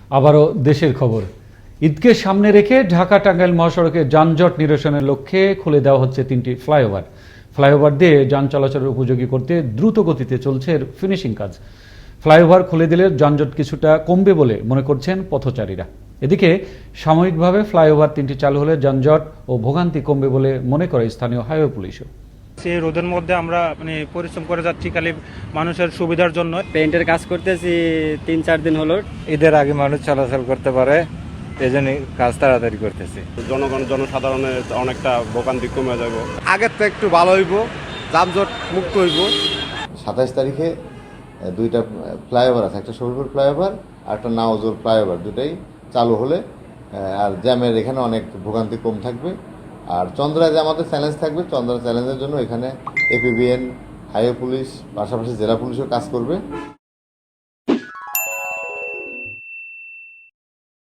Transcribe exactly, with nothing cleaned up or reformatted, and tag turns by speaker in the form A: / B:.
A: আবারও দেশের খবর। ঈদকে সামনে রেখে ঢাকা টাঙ্গাইল মহাসড়কে যানজট নিরসনের লক্ষ্যে খুলে দেওয়া হচ্ছে তিনটি ফ্লাইওভার। ফ্লাইওভার দিয়ে যান চলাচলের উপযোগী করতে দ্রুত গতিতে চলছে এর ফিনিশিং কাজ। ফ্লাইওভার খুলে দিলে যানজট কিছুটা কমবে বলে মনে করছেন পথচারীরা। এদিকে সাময়িকভাবে ফ্লাইওভার তিনটি চালু হলে যানজট ও ভোগান্তি কমবে বলে মনে করে স্থানীয় হাইওয়ে পুলিশও।
B: সেই রোদের মধ্যে আমরা মানে পরিশ্রম করে যাচ্ছি খালি মানুষের সুবিধার জন্য।
C: পেইন্টের কাজ করতেছি তিন চার দিন হলো।
D: ঈদের আগে মানুষ চলাচল করতে পারে, এই জন্য কাজ তাড়াতাড়ি করতেছি।
E: জনগণ জনসাধারণের অনেকটা ভোগান্তি কমে যাবে।
F: আগের তো একটু ভালো হইব, যানজট মুক্ত হইব।
G: সাতাইশ তারিখে দুইটা ফ্লাইওভার আছে, একটা শরীরপুর ফ্লাইওভার আর একটা নাওজোর ফ্লাইওভার, দুটাই চালু হলে আর জ্যামের এখানে অনেক ভোগান্তি কম থাকবে। আর চন্দ্রায় যে আমাদের চ্যালেঞ্জ থাকবে, চন্দ্রা চ্যালেঞ্জের জন্য এখানে এপিবিএন, হাইওয়ে পুলিশ, পাশাপাশি জেলা পুলিশও কাজ করবে।